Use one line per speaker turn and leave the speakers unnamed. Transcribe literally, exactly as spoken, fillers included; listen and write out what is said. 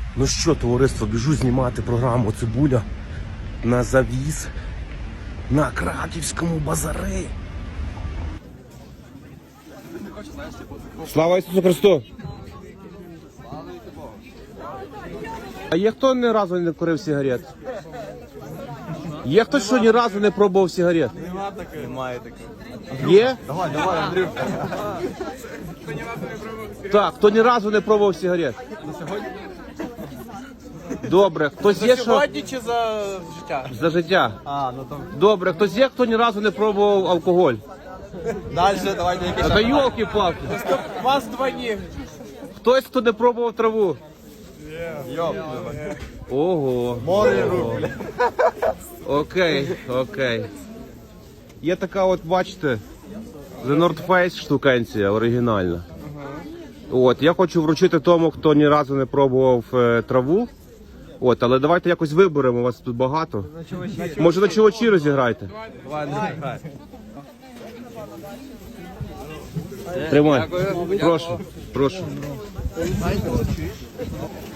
Ну що, товариство, біжу знімати програму «Цибуля» на завіз на Краківському базарі. Слава Ісусу Христу! А є хто ні разу не курив сигарет? Є хтось, що ні разу не пробував сигарет?
Нема таких. Немає таких.
Є?
Давай, давай, Андрюшка.
Так, хто ні разу не пробував сигарет?
На сьогодні?
Добре, хтось є,
За
що...
сьогодні чи за життя?
За життя.
А, ну то...
Добре, хтось є, хто ні разу не пробував алкоголь?
Дальше, давайте якісь...
Та йолки-палки.
У вас два ні.
Хтось, хто не пробував траву?
Йоп.
Ого.
Море рук.
Окей, окей. Є така от, бачите, The North Face штукенція, оригінальна. От, я хочу вручити тому, хто ні разу не пробував е, траву. От, але давайте якось виберемо, у вас тут багато. Може на чувачі розіграйте?
Давай, Андрій, грай.
Тримай. Прошу, прошу.